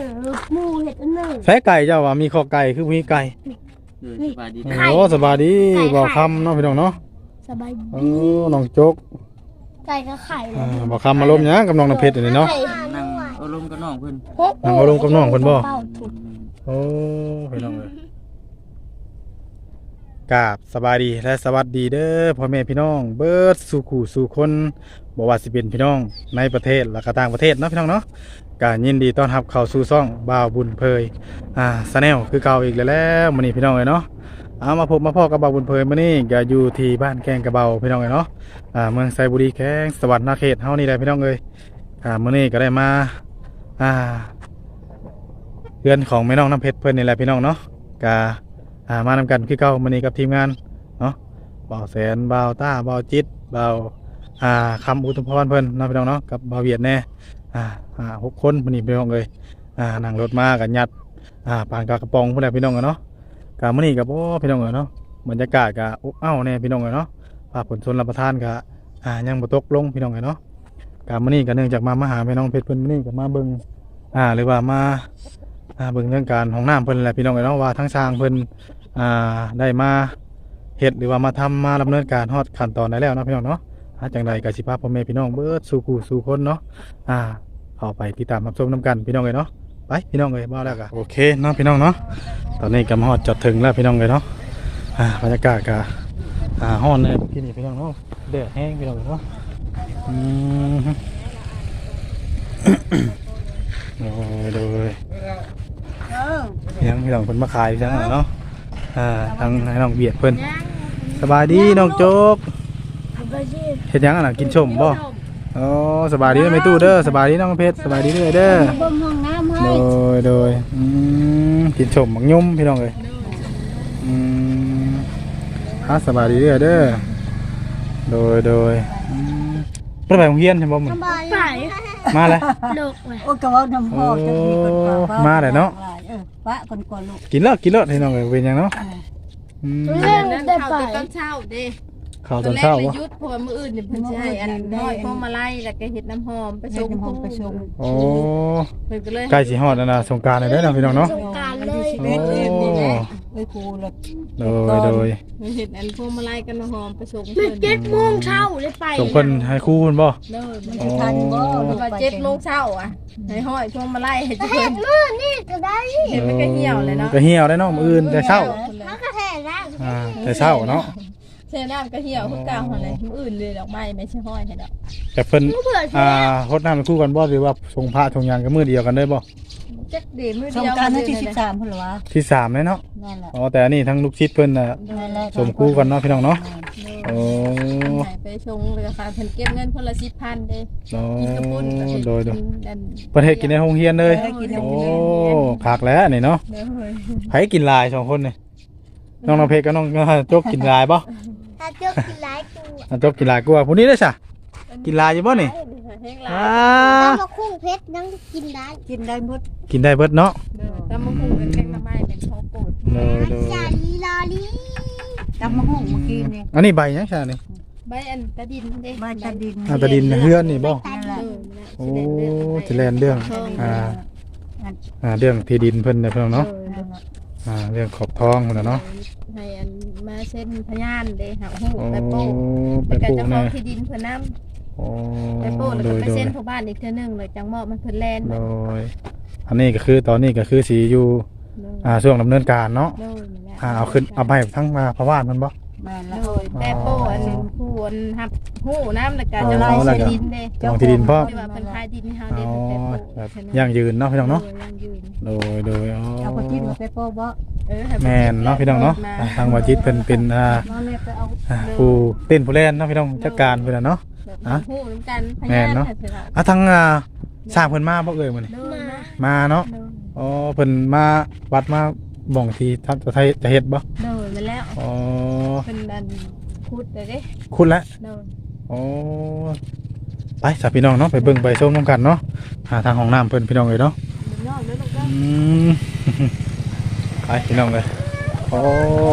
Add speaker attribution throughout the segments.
Speaker 1: หมูเห็ดอันหนึ่ง
Speaker 2: แฟไก่เจ้าว่ามีข้อไก่คือมีไก่
Speaker 3: สบายดี
Speaker 2: โอ้สบายดีบ่คำเนาะพี่น้องเนาะ
Speaker 1: สบายดี
Speaker 2: น้องโจก
Speaker 1: ไก่กับไข่เลย
Speaker 2: บ่คำมาล้มหยังกับน้องน้ำเพชรนี่เนาะ
Speaker 3: นั่งเอาลมกับน้องเพิ่น
Speaker 2: นั่งเอาลงกับน้องเพิ่นบ่โอ้พี่น้องเอ้ยกราบสบายดีและสวัสดีเด้อพ่อแม่พี่น้องเบิดสู่ขู่สู่คนบ่ว่าสิเป็นพี่น้องในประเทศและก็ต่างประเทศเนาะพี่น้องเนาะก็ยินดีต้อนรับเข้าสู่ช่องบ่าวบุญเพยชาแนลคือเก่าอีกแล้วมื้อนี้พี่น้องเอ้ยเนาะเอามาพบมาพ่อกับบ่าวบุญเพยมื้อนี้ก็อยู่ที่บ้านแกงกระเบาพี่น้องเอ้ยเนาะเมืองไซบุรีแข้งสวรรค์นาเขตเฮานี่แหละพี่น้องเอ้ยมื้อนี้ก็ได้มาเพื่อนของแม่น้องน้ำเพชรเพิ่นนี่แหละพี่น้องเนาะก็มานำกันคือเก่ามื้อนี้กับทีมงานเนาะบ่าวแสนบ่าวต้าบ่าวจิตบ่าวคำอุทุมพรเพิ่นเนาะพี่น้องเนาะกับบ่าวเวียดแน่6 คนมื้อนี้พี่น้องเอ้ยนั่งรถมากันยัดปานกากระป๋องพุ่นแหละพี่น้องเนาะก็มื้อนี้ก็บ่พี่น้องเนาะบรรยากาศก็อบอ้าวแน่พี่น้องเนาะภาพฝนชนรับประทานก็ยังบ่ตกลงพี่น้องเนาะก็มื้อนี้ก็เนื่องจากมาหาแม่น้องเพชรเพิ่นมื้อนี้ก็มาเบิ่งหรือว่ามาเบิ่งเรื่องการห้องน้ำเพิ่นแหละพี่น้องเนาะว่าทั้งช้างเพิ่นได้มาเฮ็ดหรือว่ามาทำมาดำเนินการฮอดขั้นตอนได้แล้วเนาะพี่น้องเนาะจังใดก็สิพาพ่อแม่พี่น้องเบิดสู่คู่สู่คนเนาะเข้าไปติดตามรับชมนํกันพี่น้องเอ้ยเนาะไปพี่น้องเอ้ยบ่แล้วก็โอเคเนาะพี่น้องเนาะตอนนี้ก็มาฮอดจอดถึงแล้วพี่น้องเอ้ยเนาะบรรยากาศก็ฮ้อนเลยที่นี่พี่น้องเนาะแดดแห้งพี่น้องเอ้ยเนาะโดยยังพี่น้องเพิ่นมาขายจังเนาะทางให้น้องเบียดเพิ่นสบายดีน้องโจ๊กเฮ็ดหยังน่ะกินชมบ่อ๋อสบายดีเด้อแม่ตู้เด้อสบายดีน้องเพชรสบายดีเด้อเด้อ
Speaker 1: บ่มห้องน้ำให้
Speaker 2: โดยกินชมหมักยุ่มพี่น้องเอ้ยสบายดีเด้อเด้อโดยเพิ่นไปโรงเรียนใช่บ่มึง
Speaker 1: ไป
Speaker 2: มาแล้ว
Speaker 1: ลูก
Speaker 4: โอ้กะว่าน้ำพ่อจะมีคนกว่า
Speaker 2: มาแล้วเนาะ
Speaker 4: ปะคนกว่าลูก
Speaker 2: กินแล้วพี่น้องเอ้ยเป็นหยังเนาะ
Speaker 1: เล่นได้ไป
Speaker 5: ตอนเช้าเด้
Speaker 2: ข้าวตอนเช้า
Speaker 5: แรก
Speaker 2: วะ
Speaker 5: เลยยุดเพราะว่ามื้ออื่นเนี่ยเพิ่นสิให้อันน้อยพวงมาลัยแล้วก็เฮ็ดน้ำหอมไป
Speaker 4: ไป
Speaker 5: ส่
Speaker 4: ส่
Speaker 5: ง
Speaker 4: งห้องไปส่ง
Speaker 2: โอ้
Speaker 5: เพิ่นก็เลย
Speaker 2: ใกล้สิฮอดแล้วนะสงกรานต์แล้วเด้อนะพี่น้องเนาะ
Speaker 1: สงกรานต์เลย
Speaker 4: เล็ดเล็ดนี่แหละไอ้ครูละ
Speaker 2: โดย
Speaker 5: เฮ็ดอันพวงมาลัยกับน้ำหอมไปส่ง
Speaker 1: มั
Speaker 5: เพิ่
Speaker 1: น
Speaker 5: น
Speaker 1: 7 โมงเช้าเลยไป
Speaker 2: ส่งเพิ่นให้ครูเพิ่นบ่
Speaker 5: เด้อ
Speaker 4: มันทันบ่
Speaker 5: เพ
Speaker 4: ลู
Speaker 5: ราะ
Speaker 4: ก
Speaker 5: ว่า
Speaker 4: ไป
Speaker 5: 7 โมงเช้าอ่ะให้ห้อยพวงมาลัยให้เพิ่น
Speaker 1: มื้อนี่ก็ได้
Speaker 5: เห็นมันก็เหี่ยวเลยเนาะ
Speaker 2: ก็เหี่ยวได้เนาะมื้ออื่นแต่เช้า
Speaker 1: มันก็แท้แล้ว
Speaker 2: แต่เช้าเนาะ
Speaker 5: เช่น้ำก็เหี่ยวคือเก่าหั่นแหละมื้ออื่นเลยดอกไม้ไม่ใช่ห้อยให้ดอก
Speaker 2: แต่เพิ่นรดน้ำเป็นคู่กันบ่หรือว่าทรงพระทรงยานก็มื้อเดียวกันได้บ่
Speaker 5: จักเดมื้อ
Speaker 4: ส
Speaker 5: เดี
Speaker 4: ง
Speaker 5: ยว
Speaker 4: กรานต์ที่13พุ่นล่ะวะ
Speaker 2: ที่3เลยเนาะ
Speaker 4: นั่นแหละ
Speaker 2: อ๋อแต่อันนี้ทั้งลูกชิดเพิ่นน่ะ
Speaker 4: นั่นแหละ
Speaker 2: สมคู่กันเนาะพี่น้องเนาะโอ้
Speaker 5: ให้ไปส่งเลยค่ะเพิ่นเก็บเงินคนละ 10,000เด้ กินกระปุ้นกับเห็ด
Speaker 2: โดย
Speaker 5: กินอัน
Speaker 2: ประเทศกินในโรงเรียนเลยโอ้คักแล้วนี่เนาะ
Speaker 5: เด้อเฮ้ย
Speaker 2: ไผกินลาย2คนนี่น้องเพชรกับน้องโจ๊กกินลายบ่
Speaker 1: ถ้าเจ้ากินหลายตัว
Speaker 2: น้องโจ๊กกินลายกว่าผู้นี้เด้อซะกินลายอยู่บ่นี่
Speaker 5: แห้งหลา
Speaker 2: อ่า
Speaker 1: ตำมะคุ้งเพชรยังกินได้
Speaker 4: กินได้หมด
Speaker 2: กินได้เบิดเนาะ
Speaker 5: เด้อตำมะฮุ่งเป็นแกงหน่อไม้เป็นของโปรด
Speaker 2: โดย
Speaker 1: จาลีลอลี
Speaker 4: ตำมะฮุ่งเมื่อกี้นี่
Speaker 2: อันนี้ใบหยังซะนี่
Speaker 5: ใบอันตะดินเด้
Speaker 4: บ้านตะดิน
Speaker 2: ตะดินเฮือนนี่บ่
Speaker 4: นั่นแหละ
Speaker 2: โอ้สิแลนเรื่องเรื่องที่ดินเพิ่นเนี่ยเพิ่นเนาะเรื่องขอบทองพุ่นน่ะเนาะ
Speaker 5: ให้อันมาเส้นพยานเด้หาฮู้
Speaker 2: โอ้
Speaker 5: ไปโป้
Speaker 2: ไป
Speaker 5: ไป
Speaker 2: ปลูก
Speaker 5: เจ้าข
Speaker 2: แน่
Speaker 5: องที่ดินเพิ่นนำ
Speaker 2: โอ้
Speaker 5: ไปโป้แล้ว
Speaker 2: โด
Speaker 5: ก็
Speaker 2: ย
Speaker 5: ไป
Speaker 2: โด
Speaker 5: เส้
Speaker 2: ย
Speaker 5: นพ่อบ้านอีกเทื่อนึงเลยจังมอบมันเพิ่นแลน
Speaker 2: โดยอันนี้ก็คือตอนนี้ก็คือสีอยู่ช่วงดำเนินการเนาะ
Speaker 5: โดยนั่นแหละ
Speaker 2: เอาขึ้นเอาไปทั้งมาพะว่านมันบ่
Speaker 4: แม่นละ
Speaker 5: โดยแต่โป้อันผู้อันรับฮู้น้ำแล้วก็จะ
Speaker 2: อ๋
Speaker 5: ไล่
Speaker 2: อแล้วก็
Speaker 5: ดินเด้
Speaker 2: จองที่ดินพ่อ
Speaker 5: ที่ว่าเพิ่นขายดินให้เฮา
Speaker 2: อ๋
Speaker 5: เด้
Speaker 2: อ
Speaker 5: เพิ่นไปโป้
Speaker 2: แบบ
Speaker 5: เพิ่น
Speaker 2: ยั่งยืนเนาะพี่น้องเนาะ
Speaker 5: ยังยืน
Speaker 2: โดยอ๋อ
Speaker 4: เอาไปกินกับไปโป้บ่
Speaker 2: แม่นเนาะพี่น้องเนาะทางวาจิตเพิ่นเป็น
Speaker 4: น้องเนี่ยไปเอา
Speaker 2: ผู้เต้นผู้เล่นเนาะพี่น้องจัดการเพิ่นน่ะเนาะ
Speaker 5: ฮู้นำกันพ
Speaker 2: แม่
Speaker 5: ยาน
Speaker 2: เนาะ
Speaker 5: ให้เพิ่นเอา
Speaker 2: ทางสร้างเพิ่นมาบ่เอ่ยมื้อนี้
Speaker 5: เดินนะ
Speaker 2: มาเนาะ
Speaker 5: เดิน
Speaker 2: อ๋อเพิ่นมาวัดมาบ่องที่ท่านจะเฮ็ดบ่
Speaker 5: เดินมาแล้ว
Speaker 2: อ๋อ
Speaker 5: เป็นดันพูดเลยเด้
Speaker 2: คุณละ
Speaker 5: เดิน
Speaker 2: อ๋อไปสาพี่น้องเนาะไปเบิ่งไปชมน้ำกันเนาะหาทางห้องน้ำเพิ่นพี่น้องเลยเนาะ
Speaker 5: นอกแล้วลูกเด้อ
Speaker 2: ม ไปพี่น้องเลยโอ้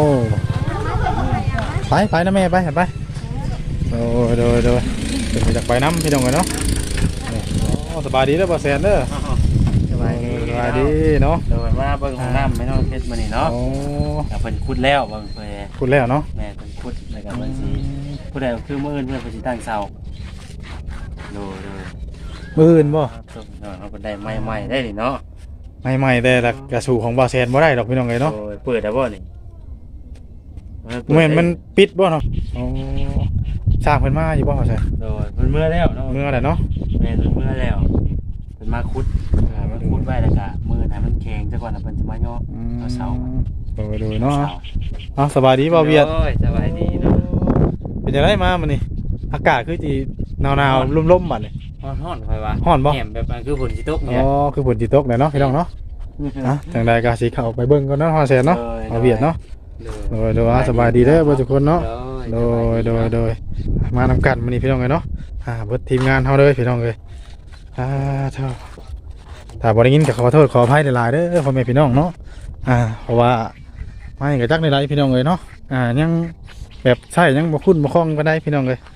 Speaker 2: ไปนะแม่ไปโดยเพิ่นไปจากไปน้ำพี่น้องเลยเนาะนี่โอ้สบายดีเด้อบ่แซนเด้อ
Speaker 3: สบายดี
Speaker 2: สบายบายดีเนาะ
Speaker 3: โดยมาเบิ่งของน้ำไม่น้องเพชรมื้อนี้เนาะ
Speaker 2: โอ้
Speaker 3: ก็เพิ่นขุดแล้วเบิ่งเพิ่น
Speaker 2: คุณแล้วเนาะ
Speaker 3: แม่เพิ่นขุดแล้วก็เพิ่นสิผู้ใดคือมื้ออื่นเพิ่นสิตั้งเสาโดย
Speaker 2: มื้ออื่นบ่
Speaker 3: เฮาเพิ่นได้ใหม่ๆได้นี่เนาะ
Speaker 2: ใหม่ๆแต่ละกระสู่ของบ่าวแซนบ่ได้ดอกพี่น้องเอ้ยเนาะ
Speaker 3: โดยเปิดได้บ่นี่
Speaker 2: แม่นมันปิดบ่เนาะโอ้สร้างเพิ่นมาอยู่บ่ว่าซั่น
Speaker 3: โดยเพิ่นเมื่อแล้วเนาะ
Speaker 2: เมื่อแหละเนาะ
Speaker 3: แม่เพิ่นเมื่อแล้วเพิ่นมาขุดมาขุดไว้แล้วก็มื้อให้มันแข็งซะก่อนแล้วเพิ่นสิมาย่อเอาเสา
Speaker 2: โดยเนาะเอาสบายดีบ่าวเวียด
Speaker 3: โอ้ยสบายดีเนาะ
Speaker 2: เป็นจังไดมามื้อนี้อากาศคือสิหนาวๆลมๆบัดนี้
Speaker 3: ฮ้อนๆค่อยว่า
Speaker 2: ฮ้อนบ่
Speaker 3: แหมแบบคือฝนสิตก
Speaker 2: อ๋
Speaker 3: เนี่ย
Speaker 2: อคือฝนสิตกแหละเนาะพี่น้องเนาะอ่ะจังใดก็สิเข้าไปเบิ่งก่อนเนาะฮอดแซนเนาะบ่าวเวียดเนาะโดยสบายดีเด้อเบ่ทุกคนเนาะโดยมานำกันมื้อนี้พี่น้องเอ้ยเนาะเบิดทีมงานเฮาเด้อพี่น้องเอ้ยเท่าถ้าบ่ได้ยินก็ขอโทษขออภัยหลายๆเด้อพ่อแม่พี่น้องเนาะเพราะว่าไม่ก็จักในหลายพี่น้องเอ้ยเนาะยังแบบใช้ยังบ่คุ้นบ่คล่องปานใดพี่น้องเอ้ย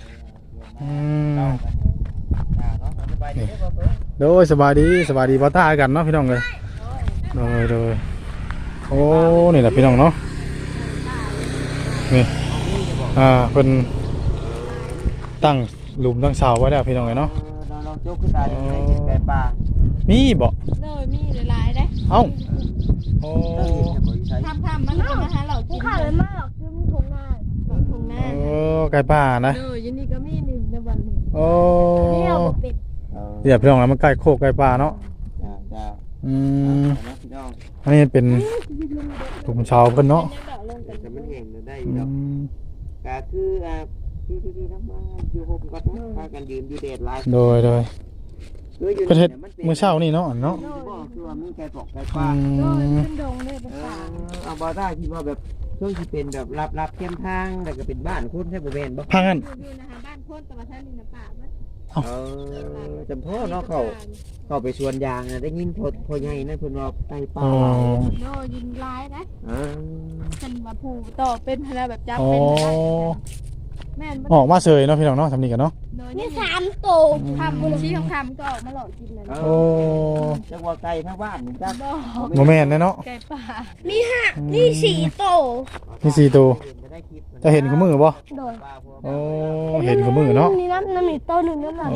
Speaker 2: โดยสบายดีบ่ตากันเนาะพี่น้องเอ้ยโดยโอ้นี่แหละพี่น้องเนาะนี่เพิ่นตั้งหลุมตั้งเสาไว้แล้วพี่น้องเอ้ยเนาะ
Speaker 3: น้องโจ๊กคือตาได้กินไก่ป่า
Speaker 2: มีบ่
Speaker 5: เลยมีหลายๆได้
Speaker 2: เอ้าโอ้
Speaker 5: ทำมันก็มาหาเรา
Speaker 1: กู
Speaker 5: กิน
Speaker 1: ข้าวเลยมากคือมึงคงง่าย
Speaker 5: ถุงหน้า
Speaker 2: ไก่ป่านะ
Speaker 5: เลยยินดีก็มีนี่ในวันนี้
Speaker 2: โอ้
Speaker 1: นี่เราเป็ด
Speaker 2: เดี๋ยวพี่น้องแล้วมันใกล้โคกใกล้ป่าเนาะ
Speaker 3: จ้า พี่น้อง
Speaker 2: อันนี้เป็นหลุมเสาเพิ่นเนาะ
Speaker 3: แต่มันเห็นได้
Speaker 2: อื
Speaker 3: ดอก
Speaker 2: ม
Speaker 3: ก็คือที่น้ำมาอยู่ห่มกันพากันยืนอยู่แดดลาย
Speaker 2: โดยเพิ่นเฮ็ดมื้อเช้านี่เนาะเนาะ
Speaker 3: คือว่ามีไก่ปอกไก่
Speaker 2: อื
Speaker 3: ป่า
Speaker 2: ม
Speaker 5: ขึ้นดงเลยเป็นป่า
Speaker 3: เอาบอได้คิดว่าแบบช่วงที่เป็นแบบรับเข้มทางแต่ก็เป็นบ้านคุณใช่บ่แม่นบ่
Speaker 2: พังกัน
Speaker 5: อยู่นะคะบ้านโคตรตะวันท่านนี่นะป่าบ้าน
Speaker 3: จำพ่อเนาะเข้าไปสวนยางน่ะได้ยินพ่อใหญ่นั่นเพิ่นว่าไก่ป่า
Speaker 2: อ๋อ
Speaker 5: โน่ยิงร้ายนะ
Speaker 3: เออ
Speaker 5: เป็นมาผูต่อเป็นอะไรแบบจับ
Speaker 2: อ๋อ
Speaker 5: เป็นอะไรแม่น
Speaker 2: ออกมาเสยเนาะพี่น้องเนาะทำนี่กันเนาะ
Speaker 1: นี่3ตัว
Speaker 5: ทำชี้คำก็ออกมาหลอกกินเลย
Speaker 2: โอ้
Speaker 3: จังว่าไก่ทั้งบ้านนี่จ้ะ
Speaker 2: โมแม่นเนาะ
Speaker 5: ไก่ป่า
Speaker 1: นี่4ตัว
Speaker 2: มี4ตัวจะเห็นกับมือบ่
Speaker 1: โดย
Speaker 2: โอ้เห็นกับมือเนาะ
Speaker 1: นี่น้ำมีตัวหนึ่งน้ำหนัก
Speaker 2: โอ้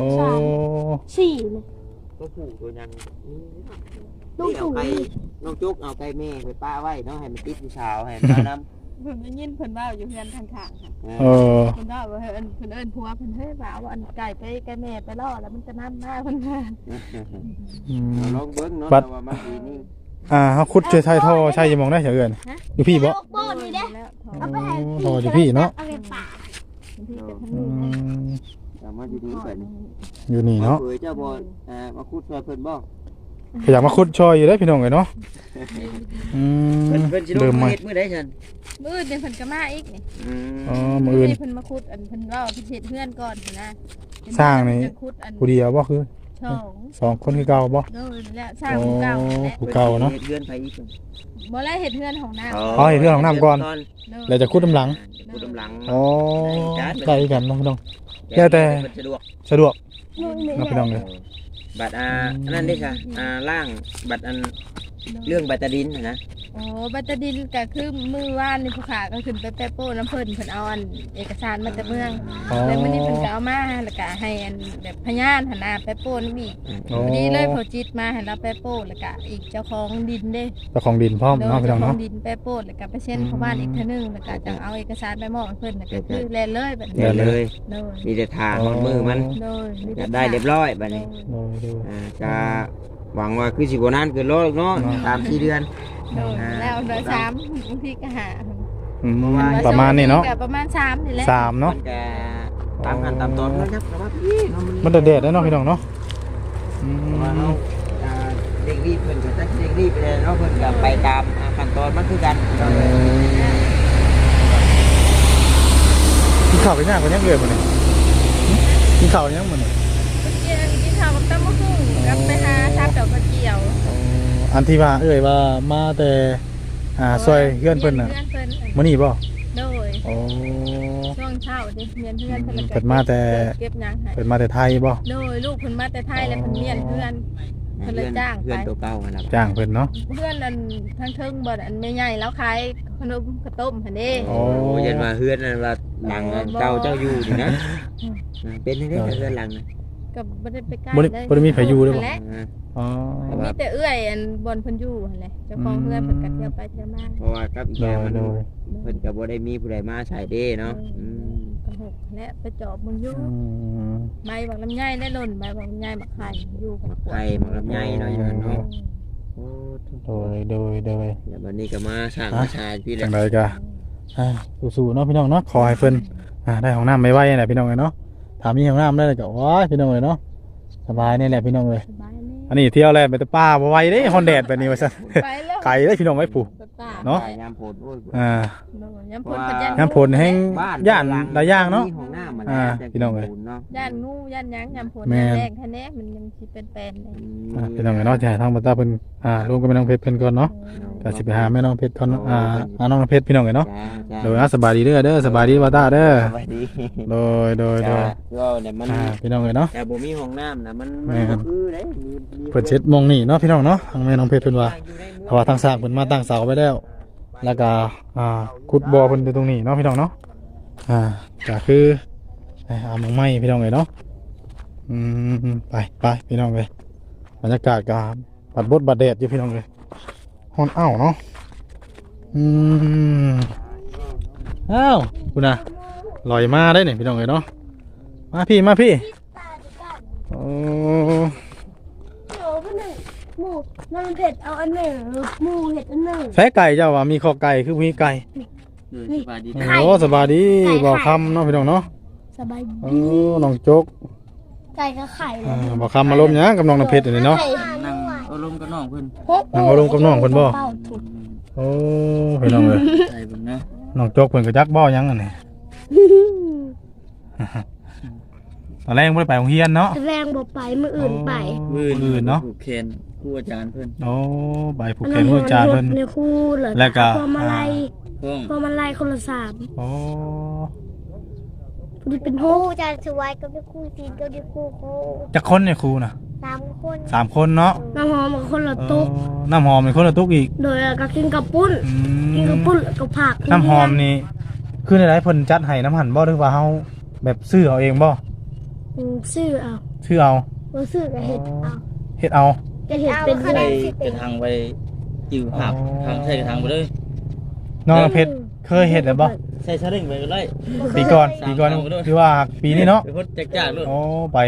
Speaker 1: 4เนี่ย
Speaker 3: ตัวผู้ตัวยัง
Speaker 1: ลูก
Speaker 3: เอา
Speaker 1: ถูก
Speaker 3: ไก่น้องจุกเอาไก่แม่ไปป้าไว้เนาะให้มันติดอยู่เช้าให้มันน้ำ
Speaker 5: เพิ่นได้ยินเพิ่นว่าอยู่เฮือนข้างๆค่ะ
Speaker 2: เออ
Speaker 5: เพิ่นว่าเพิ่นเอิ้นผัวเพิ่นเฮ้ยว่าอันไก่ไปไก่แม่ไปล่อแล้วมันจะนำมาเพิ่นว่า
Speaker 2: อืม
Speaker 3: ลองเบิ้งเนาะ
Speaker 2: บัด
Speaker 3: แต่ว่ามันดีนี่
Speaker 2: เฮาขุดช่วยไทยท่อใช่ยังมองได้เฉยเอิ้นอยู่พี่บ่
Speaker 1: โบนี่เด้
Speaker 5: แล้ว
Speaker 1: เอาไปให้
Speaker 2: ท่ออยู่พี่เนาะ
Speaker 1: เอาไปป่า
Speaker 5: ที่เป็นทั้ง
Speaker 2: อื
Speaker 5: นี้
Speaker 2: ม
Speaker 3: แต่มาอยู่นี่เพิ่น
Speaker 2: อยู่นี่เนาะ
Speaker 3: เผยเจ้าบ่มาคูดช่วยเพิ่นบ่
Speaker 2: ก็อยากมาขุดช่วยอยู่ได้พี่น้องเอ้ยเนาะอืม
Speaker 3: เพิ่นสิล
Speaker 2: เริ่
Speaker 3: ง
Speaker 2: มใหม่
Speaker 3: เฮ็ดมื้อใดซั่น
Speaker 5: มื้ออื่นเพิ่นก็มาอีกนี่
Speaker 2: อ๋อมื้ออื่น
Speaker 5: เพิ่นมาขุดอันเพิ่นว่าพิเศษเฮือนก่อนนะ
Speaker 2: สร้างนี่
Speaker 5: จะขุดอัน
Speaker 2: ผู้เดียวบ่คือ
Speaker 5: ช่อง
Speaker 2: สองคนคือเก่าบ่
Speaker 5: โดยแล้วสร้างผู้เก่าและ
Speaker 2: ผู้เก่าเนาะ
Speaker 3: เฮ็ดเรือนไปอีก
Speaker 5: บ่ได้เฮ็ดเฮือนของน้า
Speaker 2: อ๋อเฮ็ดเรือนของน้ำก่อน แล้วจะขุดน้ำหลัง
Speaker 3: ขุดน้ำหลัง
Speaker 2: อ๋อได้กันเนาะพี่น้อง แล้วแต่
Speaker 3: สะดวก
Speaker 2: สะดวก
Speaker 1: นู่นนี่
Speaker 2: เนาะพี่น้องเอ้ย
Speaker 3: บัตรอันนั้นได้ค่ะล่างบัตรอันเรื่องบัตรดินน่ะนะ
Speaker 5: โอ้บัตรดินก็คือมื้อวานนี่ผู้ขาก็ขึ้นไปแปะโป้น้ำเพิ่นเพิ่นเอาอันเอกสารมาจากเมือง
Speaker 2: อ๋อ
Speaker 5: แล้วมื้อนี้เพิ่นก็เอามาแล้วก็ให้อันแบบพยานหันหน้าแปะโป้นำอีก
Speaker 2: อ๋อ
Speaker 5: พอดีเลยพอจิตมาให้เราแปะโป้แล้วก็อีกเจ้าของดินเด้
Speaker 2: เจ้าของดินพร้อมเนาะพี่น้
Speaker 5: เจ้า
Speaker 2: อง
Speaker 5: ของ
Speaker 2: เนาะ
Speaker 5: ดินแปะโป้แล้วก็ไปเซ็นเข้าบ้านอีกเทื่อนึงแล้วก็จังเอาเอกสารไปมอบให้เพิ่นแล้วก็คือแลนเลยแบบ
Speaker 3: เดี๋
Speaker 5: นี้
Speaker 3: ยวเลย
Speaker 5: โดย
Speaker 3: มีแต่ทางของมือมัน
Speaker 5: โดยมี
Speaker 3: อ
Speaker 5: แต่
Speaker 3: ยากได้เรียบร้อยบัดนี้
Speaker 2: โดยโดย
Speaker 3: จะหวังว่าคือสิบ่นานเกินรอเนาะ
Speaker 2: เนาะ
Speaker 3: 3-4 เดือน
Speaker 5: โดยแล้วเดือน3บางทีก็หา
Speaker 2: อืมประมาณนี้เนาะ
Speaker 5: ก็ประมาณ3นี่แหละ
Speaker 2: 3เนาะ
Speaker 3: มันก็ตามขั้นตามตอนนะครับแต่ว่าพี่เนาะ
Speaker 2: มันแดดๆได้เนาะพี่น้องเนาะอื
Speaker 3: เพราะว่าเฮาม เร่งรีบเพิ่นก็จักเร่งรีบไปเลยเนาะเพิ่นก็ไปตามขั้นตอนมันคือกัน
Speaker 2: กินข้าวไปย่างคนยังเกิดมื้อนี้กินข้าวยังมื้อนี้
Speaker 5: กินข้าวกับตำมะฮุ่งกับไปหาทับดอกกระเจียว
Speaker 2: อันที่ว่าว่ามาแต่ซอยเฮือนเพิ่นน่ะ
Speaker 5: เพื่อนเพิ่น
Speaker 2: มื้อนี้บ่
Speaker 5: โดย
Speaker 2: โอ้
Speaker 5: ช่วงเช้าเด็กเรียนเพื่อนเพิ่น
Speaker 2: เพิ่นมาแต่
Speaker 5: เก็บหยังให้
Speaker 2: เพิ่นมาแต่ไทยบ่
Speaker 5: โดยลูกเพิ่นมาแต่ไทยแล้วเพิ่นเรียนเพื่อนเพิ่นเลยจ้าง
Speaker 6: เพื่
Speaker 5: ไป
Speaker 6: อนตัวเก่าหั่นล่ะ
Speaker 2: จ้างเพิ่นเนาะ
Speaker 5: เพื่อนอันทั้งเทิงบ่อันไม่ใหญ่แล้วขายขนมข้าวต้มหั่นเด้
Speaker 2: โอ้
Speaker 6: โอ้ยันว่าเฮือนนั่นว่าหลังนั้นเจ้าอยู่นี่นะเป็นจังได๋เฮือนหลังน่ะ
Speaker 5: ก็บ่ได้ไปใกล้
Speaker 2: บ่ได้มีไผอยู่เด้อบ่
Speaker 5: นั่นแหละ
Speaker 2: อ๋อ
Speaker 5: มีแต่เอื้อยอันบนเพิ่นอยู่หั่นแหละเจ้าของเพื่อนเพิ่นก็เที่ยวไปเที่ยวมา
Speaker 6: เพราะว่ากับอีก
Speaker 2: โด
Speaker 6: อย่าง
Speaker 2: ย
Speaker 6: มัน
Speaker 2: โดย
Speaker 6: เพิ่นก็บ่ได้มีผู้ใดมาใช้เด้เนาะ
Speaker 5: ก็หกและไปจอบมึงอยู่
Speaker 2: อืม
Speaker 5: ใบบักลำไยได้หล่นใบบักลำไยบักไข่อยู่กับ
Speaker 6: ไข่หมักลำไยเนาะอยู่นั่นเนาะโอ้
Speaker 2: โดยเดี๋
Speaker 6: แล้วบัดนี้ก็มาสร้างมาชาพี่แห
Speaker 2: จั
Speaker 6: ละ
Speaker 2: งไดก็สู้ๆเนาะพี่น้องเนาะขอให้เพิ่นได้ห้องน้ำไม่ไหวนี่แหละพี่น้องเอ้ยเนาะถ้ามีห้องน้ำได้ก็โอ้ยพี่น้องเอ้ยเนาะสบายนี่แหละพี่น้องเอ้ย
Speaker 5: สบายนี่
Speaker 2: อันนี้เที่ยวแล้วไปแต่ป่าบ่ไหวเด้ฮอนแดดแบบนี้ว่าซั่น
Speaker 5: ไปแล้ว
Speaker 2: ไกลเด้พี่น้องไว้ปู่
Speaker 5: ป่า
Speaker 2: เนาะ
Speaker 6: ยามโพดโอ้ย
Speaker 5: ย้ำพ่นพันยัน
Speaker 2: น้ำผลแห้งย่านหลายอย่างเนาะ
Speaker 6: มีห้องน้ำมัน
Speaker 2: พี่น้องเอ้ย
Speaker 6: เนาะ
Speaker 5: ย่านงูย่านหยังย้ำพ่น
Speaker 2: แม่
Speaker 5: ย่าน
Speaker 2: น
Speaker 5: แรกแท้แน่มันยังสิเป็นแปลนเลย
Speaker 2: พี่น้องเอ้ยเนาะจะให้ทางบ่ตาเพิ่นรวมกับแม่น้องเพชรเพิ่นก่อนเนาะก็สิไปหาแม่น้องเพชรก่อนหาน้องเพชรพี่น้องเอ้ยเนาะ
Speaker 6: จ้า
Speaker 2: โดยสบายดีเด้อสบายดีบ่ตาเด้อ
Speaker 6: สวัสดี
Speaker 2: โดย
Speaker 6: ก็เนี่ยมัน
Speaker 2: พี่น้องเอ้ยเนาะ
Speaker 6: แต่บ่มีห้องน้ำนะมัน
Speaker 2: แม่น
Speaker 6: บ่คือเด้
Speaker 2: เพิ่นเช็ดมองนี่เนาะพี่น้องเนาะทางแม่น้องเพชรเพิ่นว่าเพราะว่าทางสร้างเพิ่นมาตั้งเสาไว้แล้ว แล้วก็ขุดบ่อเพิ่นอยู่ตรงนี้เนาะพี่น้องเนาะก็คือหมองไม้พี่น้องเอ้ยเนาะไปพี่น้องเอ้ยบรรยากาศก็บัดบดบัดแดดอยู่พี่น้องเอ้ยฮ้อนอ้าวเนาะอ้าวคุณน่ะลอยมาได้นี่พี่น้องเอ้ยเนาะมาพี่โอ้
Speaker 1: โอ้พี่หนึ่งหมูน้ำเผ็ดเอาอันหนึ่งหมูเห็ดอันหนึ่ง
Speaker 2: ใช้ไก่เจ้าว่ามีคอไก่คือมีไก่
Speaker 6: สบายดี
Speaker 2: โอ้สบายดีบ่คำเนาะพี่น้องเนาะ
Speaker 1: สบาย
Speaker 2: โอ้น้องโจ๊ก
Speaker 1: ไก่กับไข่เลย
Speaker 2: บ่คำมาล้มหยังกับน้องน้ำเพชรอันนี้เนาะ
Speaker 6: นั่งอารมณ์กับน้องเพิ่น
Speaker 2: นั่งเอาลงกับน้องเพิ่นบ่
Speaker 1: เป้าถูก
Speaker 2: โอ้พี่น้องเอ้ย
Speaker 6: ใส่เบิ่งเนาะ
Speaker 2: น้องโจ๊กเพิ่นก็จักบ่หยังอันนี้ตอนแรกบ่ได้ไปโรงเรียนเนาะ
Speaker 1: แรงบ่ไปมืออื่นไป
Speaker 2: อื่นเนาะ
Speaker 6: ผูกแขนครูอาจารย์เพิ่น
Speaker 2: โอ้ไปผูกแขนผู้อาจารย์เพิ่น
Speaker 1: ในคู่เหรอ
Speaker 2: แล้วก็
Speaker 1: พอมาไล่
Speaker 6: พ้อง
Speaker 1: พอมาไล่คนละสาม
Speaker 2: โอ้
Speaker 1: พอดีเป็นห
Speaker 7: คู่
Speaker 1: ก
Speaker 7: จะสวยก็ได้คู่จีนก็ได้คู่โค
Speaker 2: จักคนเนี่ยครูน่ะ
Speaker 7: 3 คน
Speaker 2: 3คนเนาะ
Speaker 1: น้ำหอมกับคนละตุ๊ก
Speaker 2: น้ำหอมเป็นคนละตุกอีก
Speaker 1: โดยก็กินกับปุ้น กินกับปุ้นแล้วกับผัก
Speaker 2: น้ำหอมนี่คือในไรเพิ่นจัดให้น้ำหั่นบ่หรือว่าเฮาแบบซื้อเอาเองบ่
Speaker 1: ซื้อเอา
Speaker 2: ซื้อเอา
Speaker 1: บ่ซื้อก็เห็ดเอา
Speaker 2: เฮ็ดเอา
Speaker 1: จะเห็ดเป็น
Speaker 7: เอา
Speaker 1: เห็
Speaker 7: คะ
Speaker 1: ด
Speaker 7: แนน
Speaker 6: กระทางไปจิ้วหับทางใส่กระทางไปเลย
Speaker 2: น้องเพชรเคยเฮ็ดแล้วบ่
Speaker 6: ใส่ชาเร่งไปก็ได้
Speaker 2: ปีก่อนคือว่าปีนี้เนาะ
Speaker 6: ไปพดจักๆเลย
Speaker 2: โอ้ไป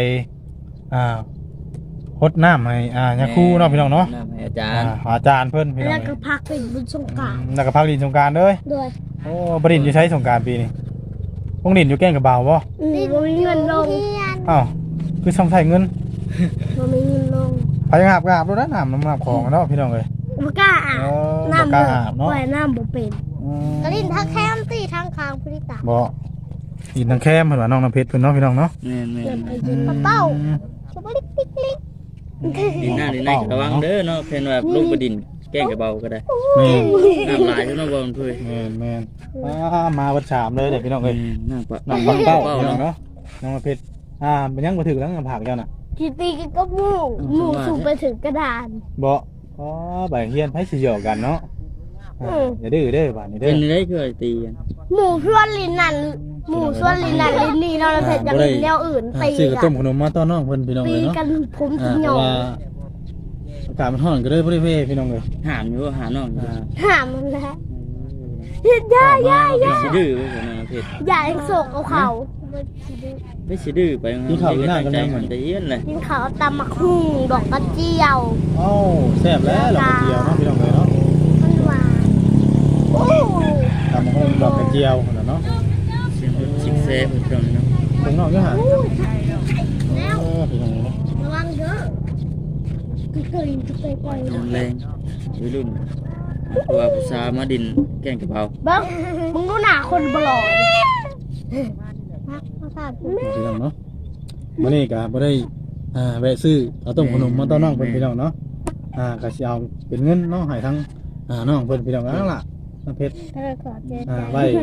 Speaker 2: ฮดน้ำให้ยาคูเนาะพี่น้องเนาะ
Speaker 6: น้ำให้อาจารย์
Speaker 2: อาจารย์เพิ่นพี่น้อ
Speaker 1: แล้
Speaker 2: ง
Speaker 1: วก็ผักเป็นบุญสงกรานต์
Speaker 2: แล้วก็พักดินสงกรารเด้อ
Speaker 1: ด้วย
Speaker 2: โอ้บ่ดินอยู่ใช้สงกรารปีนี้พวกดินอยู่แก้งกับบ่าวบ่
Speaker 1: บ่มีเงินลง
Speaker 2: อ้าวคือต้องใช้เงิน
Speaker 1: บ่มีเงินลง
Speaker 2: ไปอาบรถน้ำน้ำของเนาะพี่น้องเอ้ย
Speaker 1: บ่กล้าอาบ
Speaker 2: โอ้
Speaker 1: น้ำ
Speaker 2: บ่กล้าอาบเนาะ
Speaker 1: ว่ายน้ำบ่เป็น
Speaker 7: กระลินทักแคมตีทางคางพุริตา
Speaker 2: บ่ดินทางแคมเพิ่นว่าน้องน้ำเพชรเพิ่นเนาะพี่น้องเนาะ
Speaker 6: แม่น
Speaker 1: เกิด
Speaker 6: ๆ
Speaker 1: ไปกิน
Speaker 7: เป้าสบลิกลิกลิก
Speaker 6: ดินหน้าดินในระวังเด้อเนาะเพิ่นว่าลูกบ่ดินแกล้งกับเบาก็ได้
Speaker 2: แม่น
Speaker 6: น้ำลายเท่านั้นบ่มันเพิ่น
Speaker 2: แม่นมาวัดชามเลยเด็กพี่น้องเอ้ย
Speaker 6: น้ำปะ
Speaker 2: น้องบังเป้า
Speaker 6: เป้า
Speaker 2: พี่น้อง
Speaker 6: เนาะ
Speaker 2: เนาะน้องน้ำเพชรมันยังบ่ถึงแล้วน้ำผักเจ้าน่ะ
Speaker 1: กินตีกินกับหมูสูงไปถึงกระดาน
Speaker 2: บ่ใบเฮียนไผสิเหยาะกันเนาะอย่าดื้อเด้อบ้านนี้เด้
Speaker 6: เป็
Speaker 2: อน
Speaker 6: ได้เคยตีกัน
Speaker 1: หมูส่วนลิ้นนั่นหมูส่วนลิ้นนั่นลิ้นนี่เราเสร็จจากลิ้นแนวอื่นตี
Speaker 2: ซื้อกระ
Speaker 1: กั
Speaker 2: ต้
Speaker 1: น
Speaker 2: มขนมมาต้อนน้องเพิ่นพี่น้อง
Speaker 1: ตี
Speaker 2: เอ้ยเนาะ
Speaker 1: กันผม
Speaker 2: เพ
Speaker 1: จะหยอ
Speaker 2: ราะ
Speaker 1: ง
Speaker 2: ว่าอากาศมันร้อนก็เลยบ่ได้เว้พี่น้องเอ้ย
Speaker 6: หามอยู่ว่าหาน้อง
Speaker 1: หามันแล้วเฮ็ดย่า
Speaker 6: ไม่สิดื้อว่าคนน่ะเพชร
Speaker 1: อย่าให้โศกเอาเขา
Speaker 6: ไม่สิดื้อไปแต่เย็นเลย
Speaker 1: กินเขาวตำมักหุ่งดอกกระเจียว
Speaker 2: เอ้าแซ่บแล้วดอกกระเจียวเนาะพี่น้องเอ้ยเนาะ
Speaker 1: มันหวานโอ้
Speaker 2: ตำบักหุ่งดอกกระเจียวนั่นน่ะเนาะ
Speaker 6: เสียงชิกเซ่เพิ่นเนาะ
Speaker 2: ถึงนอกอยู่หั่น
Speaker 1: แล้ว
Speaker 2: พี่น้องเอ้ยเนาะ
Speaker 1: ระวังเด้อคือเคยปล่อย
Speaker 6: แรงวัยรุ่นเพราะว่าผู้ชายมาดินแกล้งกับเบา
Speaker 1: เบิ้งมึงดูหน้าคนบลอดพักภาษาพี่
Speaker 2: พี่น้องเนาะมื้อนี้ก็บ่ได้แวะซื้อเอาต้มขนมมาต้อนน้องเพิ่นพี่น้องเนาะก็สิเอาเป็นเงินเนาะให้ทั้งน้องเพิ่นพี่น้องนั่นล่ะน้ำเพชร
Speaker 1: เธอขอเจอ
Speaker 2: ไว้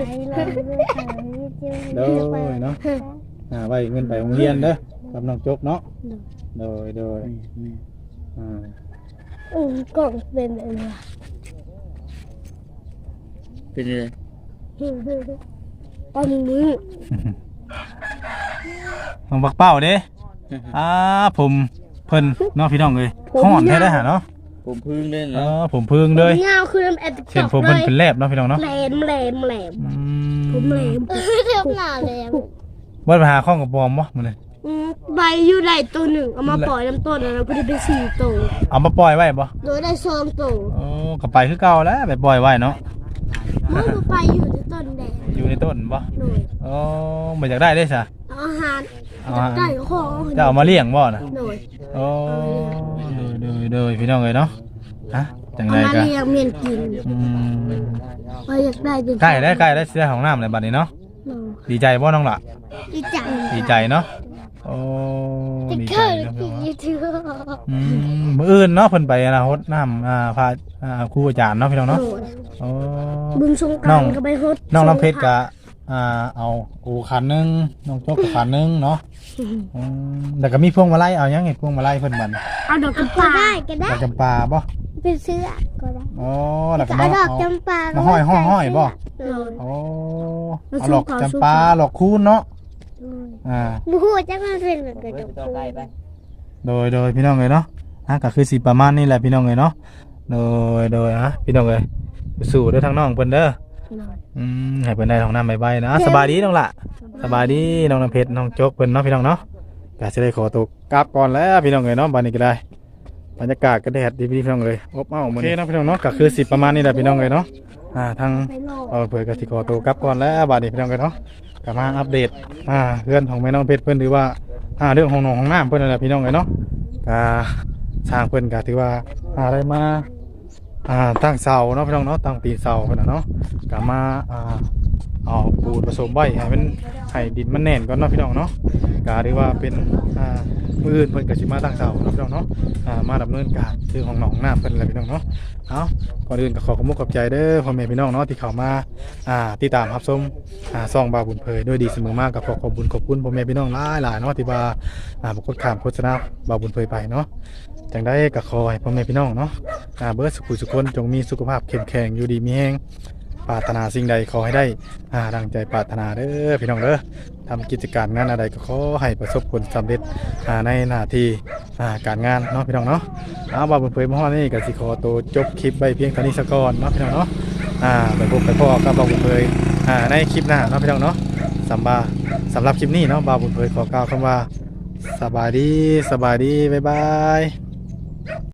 Speaker 2: โดยเนาะไว้เงินไปโรงเรียนเด้อกับน้องจกเนาะโดย
Speaker 1: กล่องเป็นอะไร
Speaker 6: เป็นยังไง
Speaker 1: ตอนนี้
Speaker 2: น้องบักเป้าเด้ผมเพิ่นเนาะพี่น้องเอ้ยฮ้อนแท้ได้หาเนาะ
Speaker 6: ผมพึ่งเล่นเนาะ
Speaker 2: ผมพึ่งเลย
Speaker 1: เงาคือน้ำแอด
Speaker 2: เห็นผมเพิ่นเป็นแลบเนาะพี่น้องเนาะ
Speaker 1: แหลมผมแหลม
Speaker 7: เทียบหน้าเลย
Speaker 2: บ่ไปหาข้องกับบอมบ่มื้อนี้
Speaker 1: ใบอยู่ได้ตัวหนึ่งเอามาปล่อยน้ำต้นแล้วก็ได้เป็น4ตัว
Speaker 2: เอามาปล่อยไว้บ่
Speaker 1: โดยได้2ตัว
Speaker 2: ก็ไปคือเก่าแล้วไปปล่อยไว้เนาะ
Speaker 1: มันไปอยู่ในต้นแดง
Speaker 2: อยู่ในต้นบ่
Speaker 1: โดย
Speaker 2: บ่อยากได้เด้ซะ
Speaker 1: เอาอาหารไก่ของ
Speaker 2: จะเอามาเลี้ยงบ่น่ะ
Speaker 1: โดย
Speaker 2: โดยพี่น้องเอ้ยเนาะฮะจัง
Speaker 1: เอา
Speaker 2: ได๋
Speaker 1: มา
Speaker 2: ก็
Speaker 1: เลี้ยงเมียนกินไปอยากได้จริง
Speaker 2: ใกล้ได้เสียของน้ำเลยบัดนี้เนาะดีใจบ่น้องล่ะ
Speaker 1: ดีจัง
Speaker 2: ดีใจเนาะดีใจ
Speaker 7: เกิด
Speaker 2: เนาะ
Speaker 7: กี่ถือ
Speaker 2: มื้ออื่นเนาะเพิ่นไปรดน้ำพาครูอาจารย์เนาะพี่น้องเนาะ
Speaker 1: โดย
Speaker 2: โอ้
Speaker 1: บึงสงกรานต์ก็ไปฮด
Speaker 2: น้องน้ำเพชรก็เอาอูขันนึงน้องโจ๊กก็ขันนึงเนาะแล้วก็มีพวงมาลัยเอายังไงพวงมาลัยเพิ่นบัด
Speaker 1: เอาดอกกระ
Speaker 7: ก็
Speaker 1: ป๋า
Speaker 7: ได้ก็ได้
Speaker 2: ดอกจำปาบ่
Speaker 7: เป็นเสื้อก็ได้
Speaker 2: แล้วก็
Speaker 7: ก็
Speaker 2: มา
Speaker 7: เอาดอก
Speaker 2: เอา
Speaker 7: จำปา
Speaker 2: มาห้อยบ่
Speaker 1: โดย
Speaker 2: เอาหลอกจำปาหลอกคูณเนาะ
Speaker 7: บูฮูจะมาเป็นเหมือนกัน
Speaker 2: โดยพี่น้องเลยเนาะก็คือสิประมาณนี้แหละพี่น้องเลยเนาะโดยพี่น้องเลยสู้เด้อทางน้องเพิ่นเด้อให้เพิ่นได้ของน้ำใบๆนะสบายดีน้องล่ะสบายดีน้องน้ำเพชรน้องโจ๊กเพิ่นเนาะพี่น้องเนาะก็สิได้ขอตัวกลับก่อนแล้วพี่น้องเลยเนาะบัดนี้ก็ได้บรรยากาศก็แดดดีพี่น้องเลยอบอ้าวมื้อนี้เนาะพี่น้องเนาะก็คือสิประมาณนี้แหละพี่น้องเลยเนาะทางเพิ่นก็สิขอตัวกลับก่อนแล้วบัดนี้พี่น้องเลยเนาะก็มาอัปเดตเพื่อนของแม่น้องเพชรเพิ่นหรือว่าเรื่องของน้องของน้ำเพิ่นนั่นแหละพี่น้องเลยเนาะก็สร้างเพิ่นก็ถือว่าได้มาตั้งเสาเนาะพี่น้องเนาะตั้งตีเสาเพิ่นน่ะเนาะก็มาเอาปูนผสมไว้ให้มันให้ดินมันแน่นก่อนเนาะพี่น้องเนาะก็ถือว่าเป็นมื้ออื่นเพิ่นก็สิมาตั้งเสาเนาะพี่น้องเนาะมาดำเนินการคือของน้องน้ำเพิ่นแหละพี่น้องเนาะเอาก่อนอื่นก็ขอขอบคุณขอบใจเด้อพ่อแม่พี่น้องเนาะที่เข้ามาติดตามรับชมซ่องบาวบุญเผยด้วยดีเสมอมากกับขอบคุณพ่อแม่พี่น้องหลายๆเนาะที่ว่าบ่กดข้ามโฆษณาบาวบุญเผยไปเนาะจังได้ก็ขอให้พ่อแม่พี่น้องเนาะเบิดสุขสุขคนจงมีสุขภาพเข้มแข็งอยู่ดีมีแรงปรารถนาสิ่งใดขอให้ได้ดังใจปรารถนาเด้อพี่น้องเด้อทำกิจการงานอะไรก็ขอให้ประสบผลสำเร็จในหน้าที่การงานเนาะพี่น้องเนาะบาวบุญเผยมาฮอดนี่ก็สิขอตัวจบคลิปไว้เพียงเท่านี้ซะก่อนเนาะพี่น้องเนาะไปพบไปพ่อกับบาวบุญเผยในคลิปหน้าเนาะพี่น้องเนาะสำหรับคลิปนี้เนาะบาวบุญเผยขอกล่าวคำว่าสบายดีบ๊ายบาย